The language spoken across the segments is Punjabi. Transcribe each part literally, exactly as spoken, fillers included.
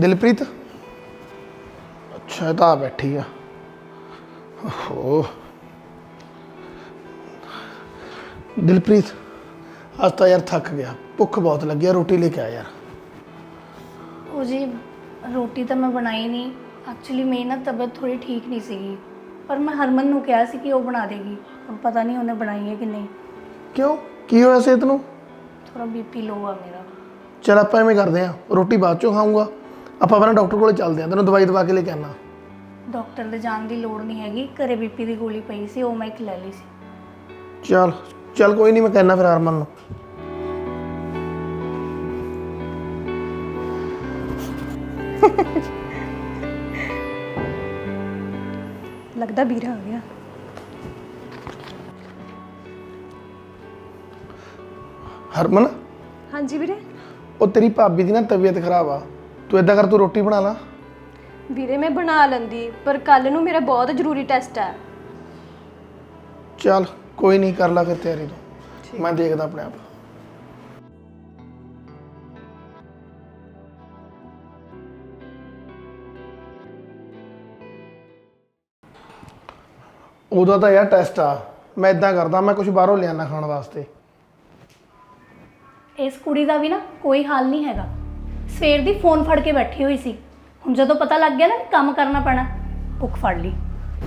ਦਿਲਪ੍ਰੀਤ ਅੱਛਾ ਤਾਂ ਬੈਠੀ ਆ ਓਹੋ ਦਿਲਪ੍ਰੀਤ ਅੱਜ ਤਾਂ ਯਾਰ ਥੱਕ ਗਿਆ ਭੁੱਖ ਬਹੁਤ ਲੱਗੀ ਆ ਰੋਟੀ ਲੈ ਕੇ ਆ ਯਾਰ ਉਹ ਜੀ ਰੋਟੀ ਤਾਂ ਮੈਂ ਬਣਾਈ ਨਹੀਂ ਐਕਚੁਅਲੀ ਮੇਰੀ ਨਾ ਤਬੀਅਤ ਥੋੜੀ ਠੀਕ ਨਹੀਂ ਸੀਗੀ ਪਰ ਮੈਂ ਹਰਮਨ ਨੂੰ ਕਿਹਾ ਸੀ ਕਿ ਉਹ ਬਣਾ ਦੇਗੀ ਹੁਣ ਪਤਾ ਨਹੀਂ ਉਹਨੇ ਬਣਾਈ ਹੈ ਕਿ ਨਹੀਂ ਕਿਉਂ ਕੀ ਹੋਇਆ ਸਿਹਤ ਨੂੰ ਥੋੜਾ ਬੀਪੀ ਲੋ ਆ ਮੇਰਾ ਚਲ ਆਪਾਂ ਐਵੇਂ ਕਰਦੇ ਆ ਰੋਟੀ ਬਾਅਦ ਚੋਂ ਖਾਊਂਗਾ ਆਪਾਂ ਪਹਿਲਾਂ ਡਾਕਟਰ ਕੋਲੇ ਚੱਲਦੇ ਆ ਤੈਨੂੰ ਦਵਾਈ ਦਵਾ ਕੇ ਲੈ ਕੇ ਆਣਾ ਡਾਕਟਰ ਦੇ ਜਾਣ ਦੀ ਲੋੜ ਨਹੀਂ ਹੈਗੀ ਘਰੇ ਬੀਪੀ ਦੀ ਗੋਲੀ ਪਈ ਸੀ ਉਹ ਮੈਂ ਇੱਕ ਲੈ ਲਈ ਸੀ ਚੱਲ ਚੱਲ ਕੋਈ ਨਹੀਂ ਮੈਂ ਕਹਿਣਾ ਫਿਰ ਹਰਮਨ ਨੂੰ लगता ਵੀਰਾ आ गया ਹਰਮਨ हाँ जी ਵੀਰੇ ਉਹ ਤੇਰੀ ਭਾਬੀ ਦੀ ਨਾ ਤਬੀਅਤ ਖਰਾਬ ਆ ਤੂੰ ਇਦਾਂ ਕਰ ਤੂੰ ਰੋਟੀ ਬਣਾ ਲਾ ਵੀਰੇ मैं बना लेंदी पर कल नू मेरा बहुत जरूरी टेस्ट है ਚੱਲ ਕੋਈ ਨਹੀਂ ਕਰ ਲਾ ਫਿਰ ਤਿਆਰੀ ਤੂੰ ਮੈਂ ਦੇਖਦਾ ਆਪਣੇ ਆਪ ਉਹਦਾ ਤਾਂ ਯਾਰ ਟੈਸਟ ਆ ਮੈਂ ਇਦਾਂ ਕਰਦਾ ਮੈਂ ਕੁਝ ਬਾਹਰੋਂ ਲਿਆਣਾ ਖਾਣ ਵਾਸਤੇ ਇਸ ਕੁੜੀ ਦਾ ਵੀ ਨਾ ਕੋਈ ਹਾਲ ਨਹੀਂ ਹੈਗਾ ਸਵੇਰ ਦੀ ਫੋਨ ਫੜ ਕੇ ਬੈਠੀ ਹੋਈ ਸੀ ਹੁਣ ਜਦੋਂ ਪਤਾ ਲੱਗ ਗਿਆ ਨਾ ਕੰਮ ਕਰਨਾ ਪੈਣਾ ਭੁੱਖ ਫੜ ਲਈ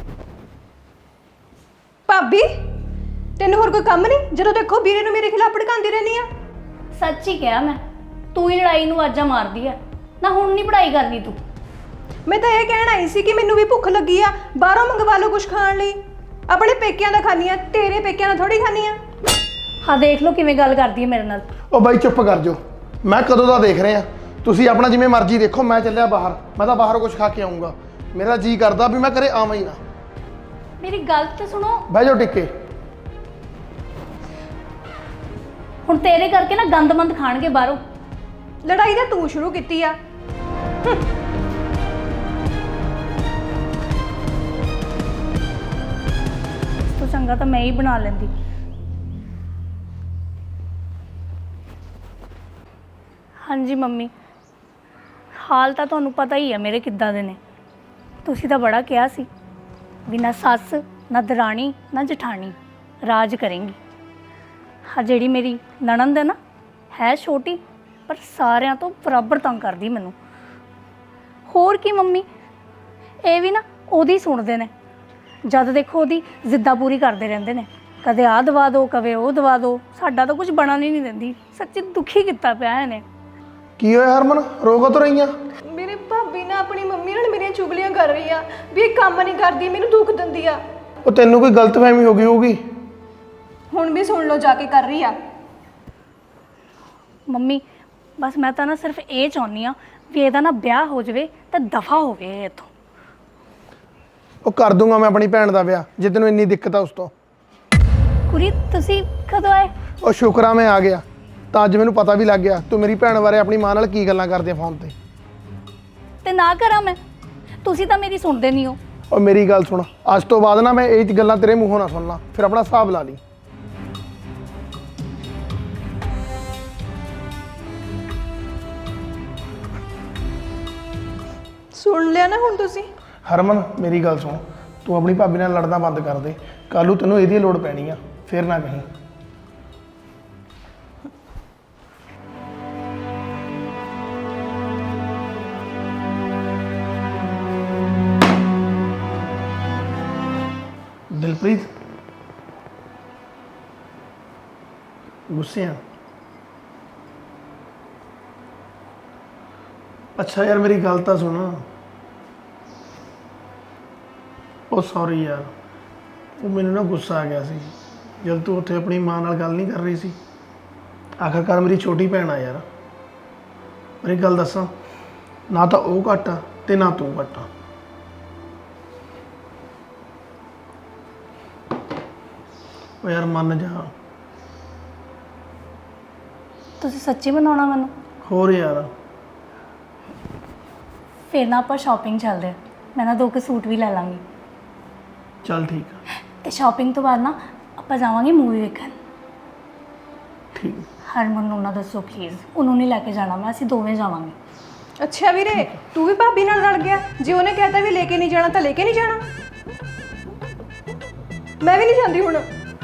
ਭਾਬੀ ਤੈਨੂੰ ਹੋਰ ਕੋਈ ਕੰਮ ਨਹੀਂ ਜਦੋਂ ਦੇਖੋ ਵੀਰੇ ਨੂੰ ਮੇਰੇ ਖਿਲਾਫ ਭੜਕਾਉਂਦੀ ਰਹਿੰਦੀ ਆ ਸੱਚ ਹੀ ਕਿਹਾ ਮੈਂ ਤੂੰ ਹੀ ਲੜਾਈ ਨੂੰ ਆਜਾ ਮਾਰਦੀ ਆ ਨਾ ਹੁਣ ਨਹੀਂ ਪੜਾਈ ਕਰਨੀ ਤੂੰ ਮੈਂ ਤਾਂ ਇਹ ਕਹਿਣ ਆਈ ਸੀ ਕਿ ਮੈਨੂੰ ਵੀ ਭੁੱਖ ਲੱਗੀ ਆ ਬਾਹਰੋਂ ਮੰਗਵਾ ਲਓ ਕੁਝ ਖਾਣ ਲਈ ਆਪਣੇ ਪੇਕਿਆਂ ਦਾ ਖਾਣੀ ਆ ਤੇਰੇ ਪੇਕਿਆਂ ਦਾ ਥੋੜੀ ਖਾਣੀ ਆ ਹਾਂ ਦੇਖ ਲਓ ਕਿਵੇਂ ਗੱਲ ਕਰਦੀ ਹੈ ਮੇਰੇ ਨਾਲ ਉਹ ਬਾਈ ਚੁੱਪ ਕਰ ਜਾਓ ਮੈਂ ਕਦੋਂ ਦਾ ਦੇਖ ਰਿਹਾ ਤੁਸੀਂ ਆਪਣਾ ਜਿਵੇਂ ਮਰਜ਼ੀ ਦੇਖੋ ਮੈਂ ਚੱਲਿਆ ਬਾਹਰ ਮੈਂ ਤਾਂ ਬਾਹਰ ਕੁਝ ਖਾ ਕੇ ਆਉਂਗਾ ਮੇਰਾ ਜੀ ਕਰਦਾ ਵੀ ਮੈਂ ਘਰੇ ਆਵਾਂ ਹੀ ਨਾ ਮੇਰੀ ਗੱਲ ਤੇ ਸੁਣੋ ਬਹਿ ਜਾਓ ਟਿੱਕੇ ਹੁਣ ਤੇਰੇ ਕਰਕੇ ਨਾ ਗੰਦਮੰਦ ਖਾਣਗੇ ਬਾਹਰੋਂ ਲੜਾਈ ਤਾਂ ਤੂੰ ਸ਼ੁਰੂ ਕੀਤੀ ਆ ਇਸ ਤੋਂ ਚੰਗਾ ਤਾਂ ਮੈਂ ਹੀ ਬਣਾ ਲੈਂਦੀ ਹਾਂਜੀ ਮੰਮੀ ਹਾਲ ਤਾਂ ਤੁਹਾਨੂੰ ਪਤਾ ਹੀ ਹੈ ਮੇਰੇ ਕਿੱਦਾਂ ਦੇ ਨੇ ਤੁਸੀਂ ਤਾਂ ਬੜਾ ਕਿਹਾ ਸੀ ਵੀ ਨਾ ਸੱਸ ਨਾ ਦਰਾਣੀ ਨਾ ਜਠਾਣੀ ਰਾਜ ਕਰੇਂਗੀ ਹਾਂ ਜਿਹੜੀ ਮੇਰੀ ਨਣਦ ਹੈ ਨਾ ਹੈ ਛੋਟੀ ਪਰ ਸਾਰਿਆਂ ਤੋਂ ਬਰਾਬਰ ਤੰਗ ਕਰਦੀ ਮੈਨੂੰ ਹੋਰ ਕੀ ਮੰਮੀ ਇਹ ਵੀ ਨਾ ਉਹਦੀ ਸੁਣਦੇ ਨੇ ਜਦ ਦੇਖੋ ਉਹਦੀ ਜ਼ਿੱਦਾਂ ਪੂਰੀ ਕਰਦੇ ਰਹਿੰਦੇ ਨੇ ਕਦੇ ਆਹ ਦਵਾ ਦਿਓ ਕਦੇ ਉਹ ਦਵਾ ਦਿਓ ਸਾਡਾ ਤਾਂ ਕੁਝ ਬਣਨ ਹੀ ਨਹੀਂ ਦਿੰਦੀ ਸੱਚੀ ਦੁਖੀ ਕੀਤਾ ਪਿਆ ਇਹਨੇ ਕੀ ਹੋਇਆ ਹਰਮਨ ਰੋਗ ਤੋਂ ਰਹੀਆਂ ਮੇਰੇ ਭਾਬੀ ਨਾ ਆਪਣੀ ਮੰਮੀ ਨਾਲ ਮੇਰੀਆਂ ਚੁਗਲੀਆਂ ਕਰ ਰਹੀ ਆ ਵੀ ਇਹ ਕੰਮ ਨਹੀਂ ਕਰਦੀ ਮੈਨੂੰ ਦੁੱਖ ਦਿੰਦੀ ਆ ਉਹ ਤੈਨੂੰ ਕੋਈ ਗਲਤਫਹਿਮੀ ਹੋ ਗਈ ਹੋਊਗੀ ਹੁਣ ਵੀ ਸੁਣ ਲਓ ਜਾ ਕੇ ਕਰ ਰਹੀ ਆ ਮੰਮੀ ਬਸ ਮੈਂ ਤਾਂ ਨਾ ਸਿਰਫ ਇਹ ਚਾਹੁੰਦੀ ਆ ਵੀ ਇਹਦਾ ਨਾ ਵਿਆਹ ਹੋ ਜਾਵੇ ਤਾਂ ਦਫਾ ਹੋਵੇ ਇਹ ਇੱਥੋਂ ਉਹ ਕਰ ਦੂੰਗਾ ਮੈਂ ਆਪਣੀ ਭੈਣ ਦਾ ਵਿਆਹ ਜੇ ਤੈਨੂੰ ਇੰਨੀ ਦਿੱਕਤ ਆ ਉਸ ਤੋਂ ਕੁਰੀ ਤੁਸੀਂ ਕਦੋਂ ਆਏ ਉਹ ਸ਼ੁਕਰਾ ਮੈਂ ਆ ਗਿਆ ਤਾਂ ਅੱਜ ਮੈਨੂੰ ਪਤਾ ਵੀ ਲੱਗ ਗਿਆ ਤੂੰ ਮੇਰੀ ਭੈਣ ਬਾਰੇ ਆਪਣੀ ਮਾਂ ਨਾਲ ਕੀ ਗੱਲਾਂ ਕਰਦੀ ਆ ਫੋਨ ਤੇ ਤੇ ਨਾ ਕਰਾਂ ਮੈਂ ਤੁਸੀਂ ਤਾਂ ਮੇਰੀ ਸੁਣਦੇ ਨਹੀਂ ਹੋ ਉਹ ਮੇਰੀ ਗੱਲ ਸੁਣ ਅੱਜ ਤੋਂ ਬਾਅਦ ਨਾ ਮੈਂ ਇਹ ਗੱਲਾਂ ਤੇਰੇ ਮੂੰਹੋਂ ਨਾ ਸੁਣਨਾ ਫਿਰ ਆਪਣਾ ਹਿਸਾਬ ਲਾ ਲਈ ਸੁਣ ਲਿਆ ਨਾ ਹੁਣ ਤੁਸੀਂ ਹਰਮਨ ਮੇਰੀ ਗੱਲ ਸੁਣ ਤੂੰ ਆਪਣੀ ਭਾਬੀ ਨਾਲ ਲੜਨਾ ਬੰਦ ਕਰ ਦੇ ਕੱਲ੍ਹ ਨੂੰ ਤੈਨੂੰ ਇਹਦੀ ਲੋੜ ਪੈਣੀ ਆ ਫਿਰ ਨਾ ਕਹੀਂ ਦਿਲਪ੍ਰੀਤ ਗੁੱਸੇ ਆ ਅੱਛਾ ਯਾਰ ਮੇਰੀ ਗੱਲ ਤਾਂ ਸੁਣ ਉਹ ਸੌਰੀ ਯਾਰ ਉਹ ਮੈਨੂੰ ਨਾ ਗੁੱਸਾ ਆ ਗਿਆ ਸੀ ਜਦ ਤੂੰ ਉੱਥੇ ਆਪਣੀ ਮਾਂ ਨਾਲ ਗੱਲ ਨਹੀਂ ਕਰ ਰਹੀ ਸੀ ਆਖਰਕਾਰ ਮੇਰੀ ਛੋਟੀ ਭੈਣ ਆ ਯਾਰ ਮੇਰੀ ਗੱਲ ਦੱਸਾਂ ਨਾ ਤਾਂ ਉਹ ਘੱਟ ਆ ਤੇ ਨਾ ਤੂੰ ਘੱਟ ਆ ਉਹ ਯਾਰ ਮੰਨ ਜਾ ਤੁਸੀਂ ਸੱਚੀ ਬਣਾਉਣਾ ਮੈਨੂੰ ਹੋਰ ਯਾਰ ਫਿਰ ਨਾ ਆਪਾਂ ਸ਼ਾਪਿੰਗ ਚੱਲਦੇ ਹਾਂ ਮੈਂ ਨਾ ਦੋ ਕੁ ਸੂਟ ਵੀ ਲੈ ਲਾਂਗੀ ਚੱਲ ਠੀਕ ਆ ਤੇ ਸ਼ਾਪਿੰਗ ਤੋਂ ਬਾਅਦ ਨਾ ਆਪਾਂ ਜਾਵਾਂਗੇ ਮੂਵੀ ਵੇਖਣ ਠੀਕ ਹਰਮਨ ਨੂੰ ਨਾ ਦੱਸੋ ਪਲੀਜ਼ ਉਹਨੂੰ ਨਹੀਂ ਲੈ ਕੇ ਜਾਣਾ ਮੈਂ ਅਸੀਂ ਦੋਵੇਂ ਜਾਵਾਂਗੇ ਅੱਛਾ ਵੀਰੇ, ਤੂੰ ਵੀ ਭਾਬੀ ਨਾਲ ਲੜ ਗਿਆ? ਜੇ ਉਹਨੇ ਕਹਿਤਾ ਵੀ ਲੈ ਕੇ ਨਹੀਂ ਜਾਣਾ ਤਾਂ ਲੈ ਕੇ ਨਹੀਂ ਜਾਣਾ। ਮੈਂ ਵੀ ਨਹੀਂ ਜਾਂਦੀ ਹੁਣ।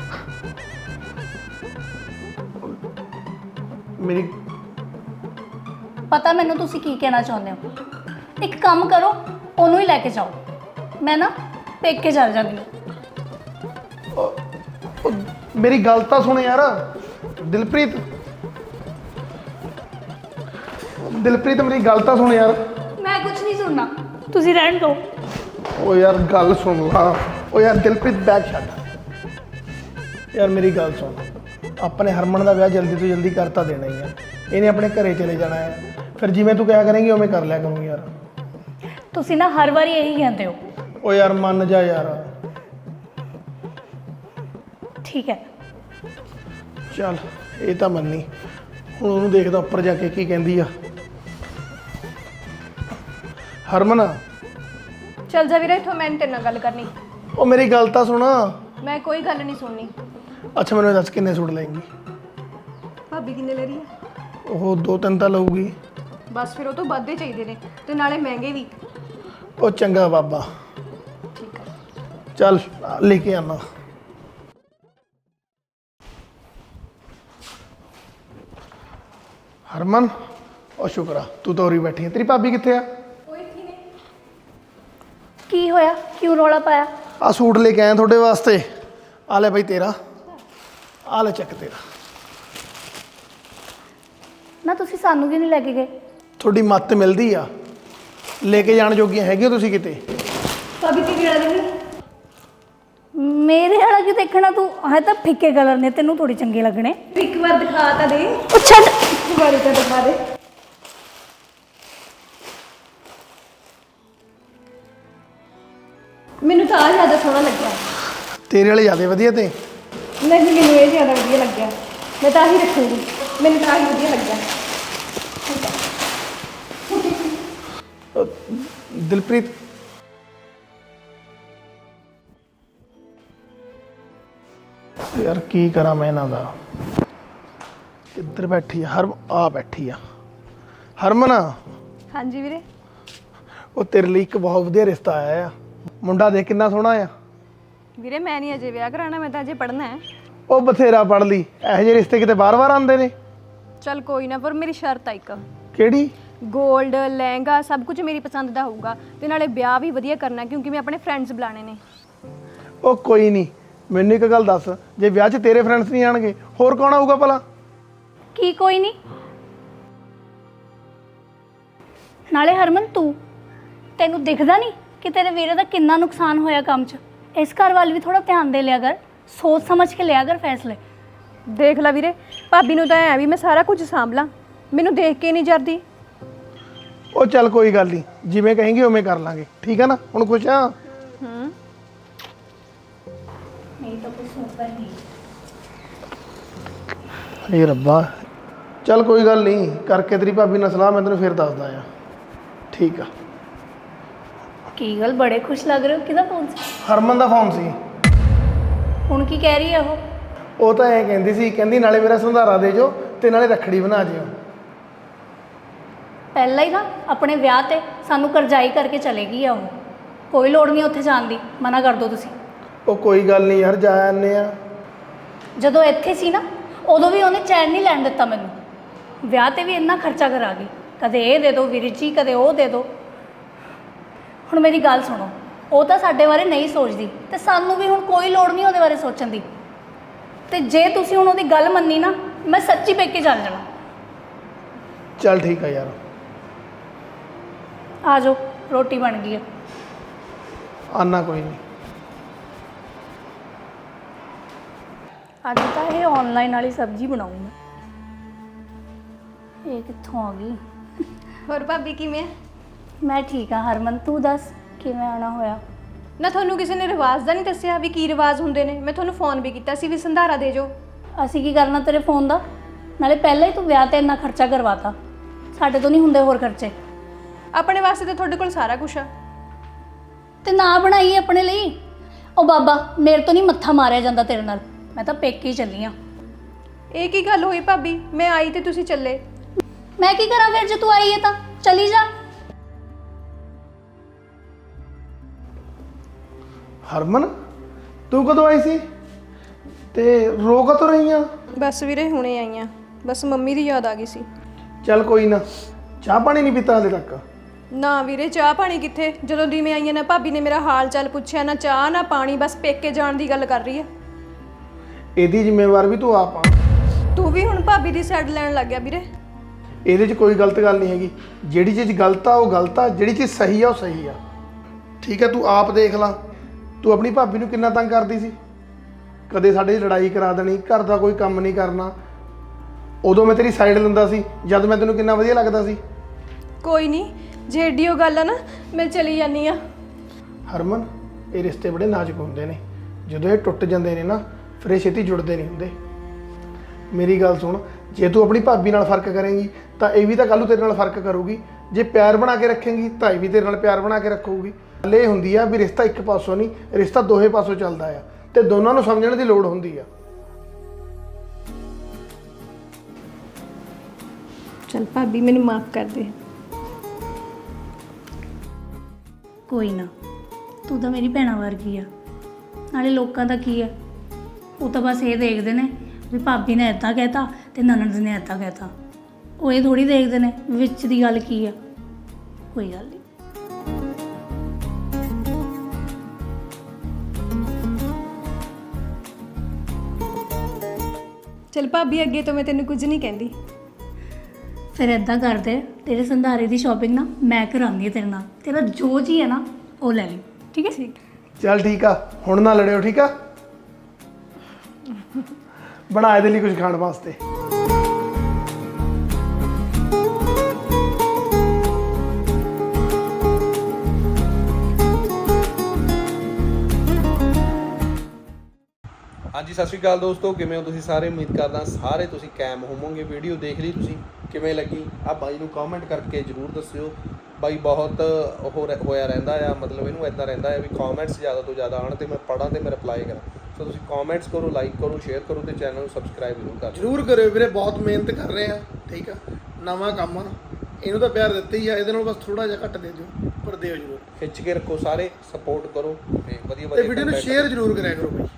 ਮੇਰੀ ਪਤਾ ਮੈਨੂੰ ਤੁਸੀਂ ਕੀ ਕਹਿਣਾ ਚਾਹੁੰਦੇ ਹੋ। ਇੱਕ ਕੰਮ ਕਰੋ, ਉਹਨੂੰ ਹੀ ਲੈ ਕੇ ਜਾਓ। ਮੈਂ ਨਾ ਪੇਕੇ ਚੱਲ ਜਾਂਦੀ ਹਾਂ। ਉਹ ਮੇਰੀ ਗੱਲ ਤਾਂ ਸੁਣ ਯਾਰ ਦਿਲਪ੍ਰੀਤ। ਦਿਲਪ੍ਰੀਤ ਮੇਰੀ ਗੱਲ ਤਾਂ ਸੁਣ ਯਾਰ। ਮੈਂ ਕੁਝ ਨਹੀਂ ਸੁਣਨਾ, ਤੁਸੀਂ ਰਹਿਣ ਦਿਓ। ਉਹ ਯਾਰ ਗੱਲ ਸੁਣ ਲਾ। ਉਹ ਯਾਰ ਦਿਲਪ੍ਰੀਤ ਬੈਗ ਛੱਡ। ਯਾਰ ਮੇਰੀ ਗੱਲ ਸੁਣ, ਆਪਣੇ ਹਰਮਨ ਦਾ ਵਿਆਹ ਜਲਦੀ ਤੋਂ ਜਲਦੀ ਕਰ ਤਾਂ ਦੇਣਾ ਹੀ ਆ। ਇਹਨੇ ਆਪਣੇ ਘਰੇ ਚਲੇ ਜਾਣਾ ਹੈ, ਫਿਰ ਜਿਵੇਂ ਤੂੰ ਕਿਹਾ ਕਰੇਂਗੀ ਉਵੇਂ ਕਰ ਲਿਆ ਕਰੂੰ ਯਾਰ। ਤੁਸੀਂ ਨਾ ਹਰ ਵਾਰੀ ਇਹੀ ਕਹਿੰਦੇ ਹੋ। ਉਹ ਯਾਰ ਮੰਨ ਜਾ ਯਾਰ। ਠੀਕ ਹੈ, ਚੱਲ ਇਹ ਤਾਂ ਮੰਨੀ। ਹੁਣ ਉਹਨੂੰ ਦੇਖਦਾ ਉੱਪਰ ਜਾ ਕੇ ਕੀ ਕਹਿੰਦੀ ਆ। ਹਰਮਨ ਚੱਲ ਜਾ ਵੀਰੇ ਇੱਥੋਂ, ਮੈਂ ਨੀ ਤੇਰੇ ਨਾਲ ਗੱਲ ਕਰਨੀ। ਉਹ ਮੇਰੀ ਗੱਲ ਤਾਂ ਸੁਣ। ਮੈਂ ਕੋਈ ਗੱਲ ਨਹੀਂ ਸੁਣਨੀ। ਅੱਛਾ ਮੈਨੂੰ ਇਹ ਦੱਸ ਕਿੰਨੇ ਸੂਟ ਲਏਂਗੀ? ਭਾਬੀ ਕਿੰਨੇ ਲੈ ਰਹੀ ਹੈ? ਉਹ ਦੋ ਤਿੰਨ ਤਾਂ ਲਊਗੀ। ਬਸ ਫਿਰ ਉਹ ਤੋਂ ਵੱਧ ਹੀ ਚਾਹੀਦੇ ਨੇ ਤੇ ਨਾਲੇ ਮਹਿੰਗੇ ਵੀ। ਉਹ ਚੰਗਾ ਬਾਬਾ, ਠੀਕ ਹੈ। ਚੱਲ ਲੈ ਕੇ ਆਣਾ। ਹਰਮਨ ਉਹ ਸ਼ੁਕਰ ਆ ਤੂੰ ਤਾਂ ਉਰੀ ਬੈਠੀ ਹੈ। ਤੇਰੀ ਭਾਬੀ ਕਿੱਥੇ ਆ? ਕੀ ਹੋਇਆ? ਕਿਉਂ ਰੌਲਾ ਪਾਇਆ? ਆ ਸੂਟ ਲੈ ਕੇ ਆਇਆ ਤੁਹਾਡੇ ਵਾਸਤੇ। ਆ ਲੈ ਬਈ ਤੇਰਾ, ਆ ਲੈ ਚੱਕ ਤੇਰਾ। ਨਾ ਤੁਸੀਂ ਸਾਨੂੰ ਕਿਉਂ ਨਹੀਂ ਲੈ ਕੇ ਗਏ? ਤੁਹਾਡੀ ਮੱਤ ਮਿਲਦੀ ਆ, ਲੈ ਕੇ ਜਾਣ ਜੋਗੀਆਂ ਹੈਗੀਆਂ ਤੁਸੀਂ ਕਿਤੇ। ਭਾਬੀ ਕੀ ਕਿਹੜਾ ਦੇਣੀ? ਮੇਰੇ ਵਾਲਾ ਕੀ ਦੇਖਣਾ ਤੂੰ? ਹੈ ਤਾਂ ਫਿੱਕੇ ਕਲਰ ਨੇ, ਤੈਨੂੰ ਥੋੜੀ ਚੰਗੇ ਲੱਗਣੇ। ਇੱਕ ਵਾਰ ਦਿਖਾ ਤਾਂ ਦੇ। ਉਹ ਛੱਡ। ਇੱਕ ਵਾਰ ਤਾਂ ਦਿਖਾ ਦੇ। ਮੈਨੂੰ ਤਾਂ ਆ ਜ਼ਿਆਦਾ ਸੋਹਣਾ ਲੱਗਿਆ। ਤੇਰੇ ਵਾਲੇ ਜ਼ਿਆਦਾ ਵਧੀਆ ਤੇ। ਨਹੀਂ, ਮੈਨੂੰ ਇਹ ਜ਼ਿਆਦਾ ਵਧੀਆ ਲੱਗਿਆ। ਮੈਂ ਤਾਂ ਆਹੀ ਰੱਖੂੰਗੀ। ਮੈਨੂੰ ਤਾਂ ਆਹੀ ਵਧੀਆ ਲੱਗਿਆ। ਅਹ ਦਿਲਪ੍ਰੀਤ ਯਾਰ ਕੀ ਕਰਾਂ ਮੈਂ ਇਹਨਾਂ ਦਾ। ਕਿੱਧਰ ਬੈਠੀ ਆ? ਹਰ ਆ ਬੈਠੀ ਆ ਹਰਮਨ। ਹਾਂਜੀ ਵੀਰੇ। ਉਹ ਤੇਰੇ ਲਈ ਇੱਕ ਬਹੁਤ ਵਧੀਆ ਰਿਸ਼ਤਾ ਆਇਆ ਆ। ਮੁੰਡਾ ਦੇਖ ਕਿੰਨਾ ਸੋਹਣਾ ਆ। ਵੀਰੇ ਮੈਂ ਨਹੀਂ ਅਜੇ ਵਿਆਹ ਕਰਾਉਣਾ, ਮੈਂ ਤਾਂ ਅਜੇ ਪੜ੍ਹਨਾ ਹੈ। ਉਹ ਬਥੇਰਾ ਪੜ੍ਹ ਲਈ। ਇਹੋ ਜਿਹੇ ਰਿਸ਼ਤੇ ਕਿਤੇ ਬਾਰ-ਬਾਰ ਆਉਂਦੇ ਨੇ। ਚੱਲ ਕੋਈ ਨਾ, ਪਰ ਮੇਰੀ ਸ਼ਰਤ ਆ ਇੱਕ। ਕਿਹੜੀ? ਗੋਲਡ ਲਹਿੰਗਾ ਸਭ ਕੁਝ ਮੇਰੀ ਪਸੰਦ ਦਾ ਹੋਊਗਾ ਤੇ ਨਾਲੇ ਵਿਆਹ ਵੀ ਵਧੀਆ ਕਰਨਾ, ਕਿਉਂਕਿ ਮੈਂ ਆਪਣੇ ਫਰੈਂਡਸ ਬੁਲਾਣੇ ਨੇ। ਉਹ ਕੋਈ ਨਹੀਂ, ਮੈਨੂੰ ਇੱਕ ਗੱਲ ਦੱਸ, ਜੇ ਵਿਆਹ 'ਚ ਤੇਰੇ ਫਰੈਂਡਸ ਨਹੀਂ ਆਣਗੇ ਹੋਰ ਕੌਣ ਆਊਗਾ ਭਲਾ? ਕੀ ਕੋਈ ਨਹੀਂ? ਨਾਲੇ ਹਰਮਨ ਤੂੰ, ਤੈਨੂੰ ਦਿਖਦਾ ਨਹੀਂ ਕਿ ਤੇਰੇ ਵੀਰੇ ਦਾ ਕਿੰਨਾ ਨੁਕਸਾਨ ਹੋਇਆ ਕੰਮ 'ਚ? ਇਸ ਘਰ ਵੱਲ ਵੀ ਥੋੜਾ ਧਿਆਨ ਦੇ ਲਿਆ ਕਰ, ਸੋਚ ਸਮਝ ਕੇ ਲਿਆ ਕਰ ਫੈਸਲੇ। ਦੇਖ ਲੈ ਵੀਰੇ, ਭਾਬੀ ਨੂੰ ਤਾਂ ਐ ਵੀ ਮੈਂ ਸਾਰਾ ਕੁਝ ਸਾਂਭਲਾਂ, ਮੈਨੂੰ ਦੇਖ ਕੇ ਨਹੀਂ ਜਰਦੀ। ਉਹ ਚੱਲ ਕੋਈ ਗੱਲ ਨਹੀਂ, ਜਿਵੇਂ ਕਹੇਂਗੀ ਉਵੇਂ ਕਰ ਲਾਂਗੇ, ਠੀਕ ਹੈ ਨਾ? ਹੁਣ ਖੁਸ਼ ਆ? ਹੂੰ। ਨਹੀਂ ਤਾਂ ਕੁਝ ਸੁਣਦਾ ਨਹੀਂ। ਇਹ ਰੱਬਾ, ਚੱਲ ਕੋਈ ਗੱਲ ਨਹੀਂ, ਕਰਕੇ ਤੇਰੀ ਭਾਬੀ ਨਾਲ ਸਲਾਹ ਮੈਂ ਤੈਨੂੰ ਫਿਰ ਦੱਸਦਾ ਆ। ਠੀਕ ਆ। ਕੀ ਗੱਲ, ਬੜੇ ਖੁਸ਼ ਲੱਗ ਰਹੇ ਹੋ। ਕਿਹਦਾ ਫੋਨ ਸੀ? ਹਰਮਨ ਦਾ ਫੋਨ ਸੀ। ਹੁਣ ਕੀ ਕਹਿ ਰਹੀ ਹੈ ਉਹ? ਉਹ ਤਾਂ ਐਂ ਕਹਿੰਦੀ ਸੀ, ਕਹਿੰਦੀ ਨਾਲੇ ਮੇਰਾ ਸੰਧਾਰਾ ਦੇ ਜੋ ਤੇ ਨਾਲੇ ਰੱਖੜੀ ਬਣਾ ਜਿਓ। ਪਹਿਲਾਂ ਹੀ ਨਾ ਆਪਣੇ ਵਿਆਹ ਤੇ ਸਾਨੂੰ ਕਰਜ਼ਾਈ ਕਰਕੇ ਚਲੇ ਗਈ ਆ ਉਹ। ਕੋਈ ਲੋੜ ਨਹੀਂ ਉੱਥੇ ਜਾਣ ਦੀ, ਮਨਾ ਕਰ ਦਿਓ ਤੁਸੀਂ। ਉਹ ਕੋਈ ਗੱਲ ਨਹੀਂ ਯਾਰ, ਜਾ ਆਨੇ ਆ। ਜਦੋਂ ਇੱਥੇ ਸੀ ਨਾ ਉਦੋਂ ਵੀ ਉਹਨੇ ਚੈਨ ਨਹੀਂ ਲੈਣ ਦਿੱਤਾ ਮੈਨੂੰ। ਵਿਆਹ ਤੇ ਵੀ ਇੰਨਾ ਖਰਚਾ ਕਰਾ ਗਈ, ਕਦੇ ਇਹ ਦੇ ਦਿਓ ਵੀਰ ਜੀ, ਕਦੇ ਉਹ ਦੇ ਦਿਓ। ਹੁਣ ਮੇਰੀ ਗੱਲ ਸੁਣੋ, ਉਹ ਤਾਂ ਸਾਡੇ ਬਾਰੇ ਨਹੀਂ ਸੋਚਦੀ ਤੇ ਸਾਨੂੰ ਵੀ ਹੁਣ ਕੋਈ ਲੋੜ ਨਹੀਂ ਉਹਦੇ ਬਾਰੇ ਸੋਚਣ ਦੀ। ਤੇ ਜੇ ਤੁਸੀਂ ਹੁਣ ਉਹਦੀ ਗੱਲ ਮੰਨੀ ਨਾ, ਮੈਂ ਸੱਚੀ ਪੇਕੇ ਚੱਲ ਜਾਣਾ। ਚੱਲ ਠੀਕ ਆ ਯਾਰ। ਆ ਜਾਓ, ਰੋਟੀ ਬਣ ਗਈ ਹੈ। ਆਨਾ ਕੋਈ ਨਹੀਂ। ਅੱਜ ਤਾਂ ਇਹ ਆਨਲਾਈਨ ਵਾਲੀ ਸਬਜ਼ੀ ਬਣਾਉਂ ਮੈਂ। ਇਹ ਕਿੱਥੋਂ ਆ ਗਈ? ਹੋਰ ਭਾਬੀ ਕਿਵੇਂ? ਮੈਂ ਠੀਕ ਹਾਂ ਹਰਮਨ, ਤੂੰ ਦੱਸ ਕਿਵੇਂ ਆਉਣਾ ਹੋਇਆ? ਨਾ ਤੁਹਾਨੂੰ ਕਿਸੇ ਨੇ ਰਿਵਾਜ ਦਾ ਨਹੀਂ ਦੱਸਿਆ ਵੀ ਕੀ ਰਿਵਾਜ ਹੁੰਦੇ ਨੇ? ਮੈਂ ਤੁਹਾਨੂੰ ਫੋਨ ਵੀ ਕੀਤਾ ਸੀ ਵੀ ਸੰਧਾਰਾ ਦੇ ਜੋ। ਅਸੀਂ ਕੀ ਕਰਨਾ ਤੇਰੇ ਫੋਨ ਦਾ? ਨਾਲੇ ਪਹਿਲਾਂ ਹੀ ਤੂੰ ਵਿਆਹ ਤੇ ਇੰਨਾ ਖਰਚਾ ਕਰਵਾਤਾ, ਸਾਡੇ ਤੋਂ ਨਹੀਂ ਹੁੰਦੇ ਹੋਰ ਖਰਚੇ। ਆਪਣੇ ਵਾਸਤੇ ਤਾਂ ਤੁਹਾਡੇ ਕੋਲ ਸਾਰਾ ਕੁਝ ਆ। ਤੇ ਨਾ ਬਣਾਈ ਆਪਣੇ ਲਈ। ਉਹ ਬਾਬਾ, ਮੇਰੇ ਤੋਂ ਨਹੀਂ ਮੱਥਾ ਮਾਰਿਆ ਜਾਂਦਾ ਤੇਰੇ ਨਾਲ। ਮੈਂ ਤਾਂ ਪੇਕੇ ਹੀ ਚੱਲੀ ਆ। ਇਹ ਕੀ ਗੱਲ ਹੋਈ ਭਾਬੀ? ਮੈਂ ਆਈ ਤੇ ਤੁਸੀਂ ਚੱਲੇ। ਮੈਂ ਕੀ ਕਰਾਂ ਫਿਰ ਜੇ ਤੂੰ ਆਈ ਹੈ ਤਾਂ? ਚਲੀ ਜਾ। ਹਰਮਨ ਤੂੰ ਕਦੋਂ ਆਈ ਸੀ ਤੇ ਰੋ ਕਦੋਂ ਰਹੀ ਆ? ਬਸ ਵੀਰੇ ਹੁਣੇ ਆਈਆਂ, ਬਸ ਮੰਮੀ ਦੀ ਯਾਦ ਆ ਗਈ ਸੀ। ਚੱਲ ਕੋਈ ਨਾ, ਚਾਹ ਪਾਣੀ ਨਹੀਂ ਪੀਤਾ ਹਾਲੇ ਤੱਕ? ਨਾ ਵੀਰੇ ਚਾਹ ਪਾਣੀ ਕਿੱਥੇ, ਜਦੋਂ ਦੀ ਮੈਂ ਆਈਆਂ ਨਾ ਭਾਬੀ ਨੇ ਮੇਰਾ ਹਾਲ ਚਾਲ ਪੁੱਛਿਆ, ਨਾ ਚਾਹ ਨਾ ਪਾਣੀ, ਬਸ ਪੇਕੇ ਜਾਣ ਦੀ ਗੱਲ ਕਰ ਰਹੀ ਹੈ। ਇਹਦੀ ਜ਼ਿੰਮੇਵਾਰ ਵੀ ਤੂੰ ਆਪ ਆ। ਤੂੰ ਵੀ ਹੁਣ ਭਾਬੀ ਦੀ ਸਾਈਡ ਲੈਣ ਲੱਗ ਗਿਆ ਵੀਰੇ। ਇਹਦੇ 'ਚ ਕੋਈ ਗਲਤ ਗੱਲ ਨਹੀਂ ਹੈਗੀ। ਜਿਹੜੀ ਚੀਜ਼ ਗਲਤ ਆ ਉਹ ਗਲਤ ਆ, ਜਿਹੜੀ ਚੀਜ਼ ਸਹੀ ਆ ਉਹ ਸਹੀ ਆ। ਠੀਕ ਹੈ, ਤੂੰ ਆਪ ਦੇਖ ਲਾ, ਤੂੰ ਆਪਣੀ ਭਾਬੀ ਨੂੰ ਕਿੰਨਾ ਤੰਗ ਕਰਦੀ ਸੀ। ਕਦੇ ਸਾਡੀ ਲੜਾਈ ਕਰਾ ਦੇਣੀ, ਘਰ ਦਾ ਕੋਈ ਕੰਮ ਨਹੀਂ ਕਰਨਾ। ਉਦੋਂ ਮੈਂ ਤੇਰੀ ਸਾਈਡ ਲੈਂਦਾ ਸੀ, ਜਦ ਮੈਂ ਤੈਨੂੰ ਕਿੰਨਾ ਵਧੀਆ ਲੱਗਦਾ ਸੀ। ਕੋਈ ਨਹੀਂ, ਜੇ ਏਡੀ ਉਹ ਗੱਲ ਆ ਨਾ, ਮੈਂ ਚਲੀ ਜਾਂਦੀ ਆ। ਹਰਮਨ, ਇਹ ਰਿਸ਼ਤੇ ਬੜੇ ਨਾਜ਼ੁਕ ਹੁੰਦੇ ਨੇ। ਜਦੋਂ ਇਹ ਟੁੱਟ ਜਾਂਦੇ ਨੇ ਨਾ, ਫਿਰ ਇਹ ਛੇਤੀ ਜੁੜਦੇ ਨਹੀਂ ਹੁੰਦੇ। ਮੇਰੀ ਗੱਲ ਸੁਣ, ਜੇ ਤੂੰ ਆਪਣੀ ਭਾਬੀ ਨਾਲ ਫਰਕ ਕਰੇਂਗੀ ਤਾਂ ਇਹ ਵੀ ਤਾਂ ਕੱਲ੍ਹ ਨੂੰ ਤੇਰੇ ਨਾਲ ਫਰਕ ਕਰੂਗੀ। ਜੇ ਪਿਆਰ ਬਣਾ ਕੇ ਰੱਖੇਂਗੀ ਤਾਂ ਇਹ ਵੀ ਤੇਰੇ ਨਾਲ ਪਿਆਰ ਬਣਾ ਕੇ ਰੱਖੂਗੀ। ਗੱਲ ਇਹ ਹੁੰਦੀ ਆ ਵੀ ਰਿਸ਼ਤਾ ਇੱਕ ਪਾਸੋਂ ਨਹੀਂ, ਰਿਸ਼ਤਾ ਦੋਹੇ ਪਾਸੋਂ ਚੱਲਦਾ ਆ ਤੇ ਦੋਨਾਂ ਨੂੰ ਸਮਝਣ ਦੀ ਲੋੜ ਹੁੰਦੀ ਆ। ਚਲ ਭਾਬੀ ਮੈਨੂੰ ਮਾਫ ਕਰ ਦੇ। ਕੋਈ ਨਾ, ਤੂੰ ਤਾਂ ਮੇਰੀ ਭੈਣਾ ਵਰਗੀ ਆ। ਨਾਲੇ ਲੋਕਾਂ ਦਾ ਕੀ ਆ, ਉਹ ਤਾਂ ਬਸ ਇਹ ਦੇਖਦੇ ਨੇ ਵੀ ਭਾਬੀ ਨੇ ਇੱਦਾਂ ਕਹਿਤਾ ਤੇ ਨਨਦ ਨੇ ਇੱਦਾਂ ਕਹਿਤਾ। ਉਹ ਇਹ ਥੋੜੀ ਦੇਖਦੇ ਨੇ ਵਿੱਚ ਦੀ ਗੱਲ ਕੀ ਆ। ਕੋਈ ਗੱਲ ਨਹੀਂ। ਚਲ ਭਾਬੀ, ਅੱਗੇ ਤੋਂ ਮੈਂ ਤੈਨੂੰ ਕੁਝ ਨਹੀਂ ਕਹਿੰਦੀ। ਫਿਰ ਇੱਦਾਂ ਕਰਦੇ, ਤੇਰੇ ਸੰਧਾਰੇ ਦੀ ਸ਼ਾਪਿੰਗ ਨਾ ਮੈਂ ਕਰਾਉਂਦੀ ਹਾਂ ਤੇਰੇ ਨਾਲ। ਤੇਰਾ ਜੋ ਜੀ ਹੈ ਨਾ ਉਹ ਲੈ ਲਈ, ਠੀਕ ਹੈ? ਠੀਕ। ਚੱਲ ਠੀਕ ਆ, ਹੁਣ ਨਾ ਲੜਿਓ, ਠੀਕ ਆ? ਬਣਾ ਇਹਦੇ ਲਈ ਕੁਝ ਖਾਣ ਵਾਸਤੇ। ਹਾਂਜੀ, ਸਤਿ ਸ਼੍ਰੀ ਅਕਾਲ ਦੋਸਤੋ, ਕਿਵੇਂ ਹੋ ਤੁਸੀਂ ਸਾਰੇ? ਉਮੀਦ ਕਰਦਾ ਸਾਰੇ ਤੁਸੀਂ ਕਾਇਮ ਹੋਵੋਗੇ। ਵੀਡੀਓ ਦੇਖ ਲਈ ਤੁਸੀਂ, ਕਿਵੇਂ ਲੱਗੀ? ਆ ਬਾਈ ਨੂੰ ਕਮੈਂਟ ਕਰਕੇ ਜ਼ਰੂਰ ਦੱਸਿਓ। ਬਾਈ ਬਹੁਤ ਉਹ ਰਹਿ- ਹੋਇਆ ਰਹਿੰਦਾ ਆ, ਮਤਲਬ ਇਹਨੂੰ ਇੱਦਾਂ ਰਹਿੰਦਾ ਆ ਵੀ ਕਮੈਂਟਸ ਜ਼ਿਆਦਾ ਤੋਂ ਜ਼ਿਆਦਾ ਆਉਣ ਤੇ ਮੈਂ ਪੜ੍ਹਾਂ ਤੇ ਮੈਂ ਰਿਪਲਾਈ ਕਰਾਂ। ਸੋ ਤੁਸੀਂ ਕਮੈਂਟਸ ਕਰੋ, ਲਾਈਕ ਕਰੋ, ਸ਼ੇਅਰ ਕਰੋ ਤੇ ਚੈਨਲ ਨੂੰ ਸਬਸਕ੍ਰਾਈਬ ਜ਼ਰੂਰ ਕਰ ਦਿਓ। ਜ਼ਰੂਰ ਕਰਿਓ ਵੀਰੇ, ਬਹੁਤ ਮਿਹਨਤ ਕਰ ਰਹੇ ਆ। ਠੀਕ ਆ, ਨਵਾਂ ਕੰਮ ਆ, ਇਹਨੂੰ ਤਾਂ ਪਿਆਰ ਦਿੱਤਾ ਹੀ ਆ, ਇਹਦੇ ਨਾਲ ਬਸ ਥੋੜਾ ਜਿਹਾ ਘੱਟ ਦੇ ਦਿਓ, ਪਰ ਦਿਓ ਜ਼ਰੂਰ। ਖਿੱਚ ਕੇ ਰੱਖੋ ਸਾਰੇ, ਸਪੋਰਟ ਕਰੋ ਤੇ ਵਧੀਆ ਤੇ ਵਧੀਆ ਵੀਡੀਓ ਨੂੰ content ਸ਼ੇਅਰ ਜ਼ਰੂਰ ਕਰਿਆ ਕਰੋ ਬਾਈ।